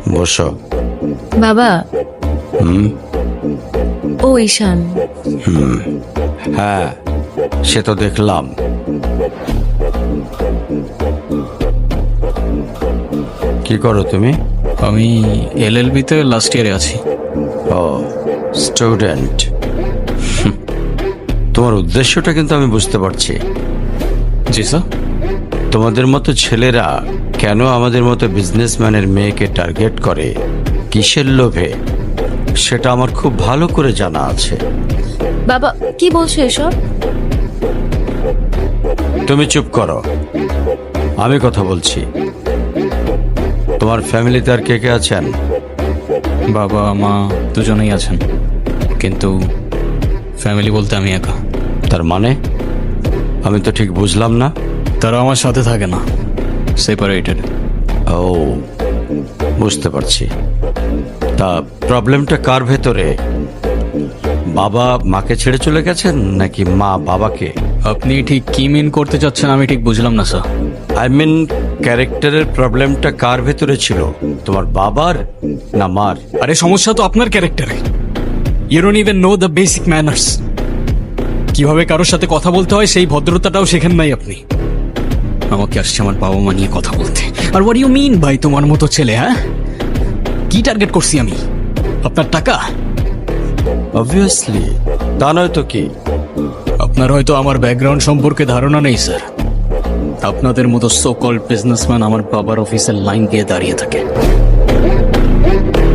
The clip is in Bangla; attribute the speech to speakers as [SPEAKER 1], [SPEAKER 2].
[SPEAKER 1] বসো।
[SPEAKER 2] বাবা। ও ঈশান।
[SPEAKER 1] হ্যাঁ, সে তো দেখলাম। কি করো তুমি?
[SPEAKER 3] আমি এলএলবি-তে লাস্ট ইয়ারে আছি।
[SPEAKER 1] ও, স্টুডেন্ট। তোমার উদ্দেশ্যটা কিন্তু আমি বুঝতে পারছি।
[SPEAKER 3] জি স্যার।
[SPEAKER 1] তোমাদের মতো ছেলেরা কেন আমাদের মতো বিজনেসম্যানের মেয়েকে টার্গেট করে, কিসের লোভে, সেটা আমার খুব ভালো করে জানা আছে।
[SPEAKER 2] বাবা কি বলছো এসব?
[SPEAKER 1] তুমি চুপ করো, আমি কথা বলছি। তোমার ফ্যামিলিতে আর কে কে আছেন?
[SPEAKER 3] বাবা মা দুজনেই আছেন, কিন্তু ফ্যামিলি বলতে আমি একা।
[SPEAKER 1] তার মানে আমি তো ঠিক বুঝলাম না।
[SPEAKER 3] তারা আমার সাথে থাকে না, সেপারেটেড।
[SPEAKER 1] ও, বুঝতে পারছি। তা প্রবলেমটা কার ভেতরে? বাবা মাকে ছেড়ে চলে গেছেন নাকি মা বাবাকে?
[SPEAKER 3] আপনি ঠিক কি মিন করতে চাচ্ছেন আমি ঠিক বুঝলাম না স্যার।
[SPEAKER 1] আই মিন, ক্যারেক্টারের প্রবলেমটা কার ভেতরে ছিল, তোমার বাবার না মার?
[SPEAKER 3] আরে সমস্যা তো আপনার ক্যারেক্টারে। You don't even know the basic manners. কিভাবে কারোর সাথে কথা বলতে হয় সেই ভদ্রতাটাও শেখেন নাই আপনি। আমাকে আসছে আমার বাবা মা নিয়ে কথা বলতে। আর হোয়াট ইউ মিন ভাই তোমার মতো ছেলে? হ্যাঁ, কি টার্গেট করছি আমি? আপনার টাকা?
[SPEAKER 1] অবভিয়াসলি, তা নয় তো কি?
[SPEAKER 3] আপনার হয়তো আমার ব্যাকগ্রাউন্ড সম্পর্কে ধারণা নেই স্যার। আপনাদের মতো সো কল্ড বিজনেসম্যান আমার বাবার অফিসের লাইন দিয়ে দাঁড়িয়ে থাকে।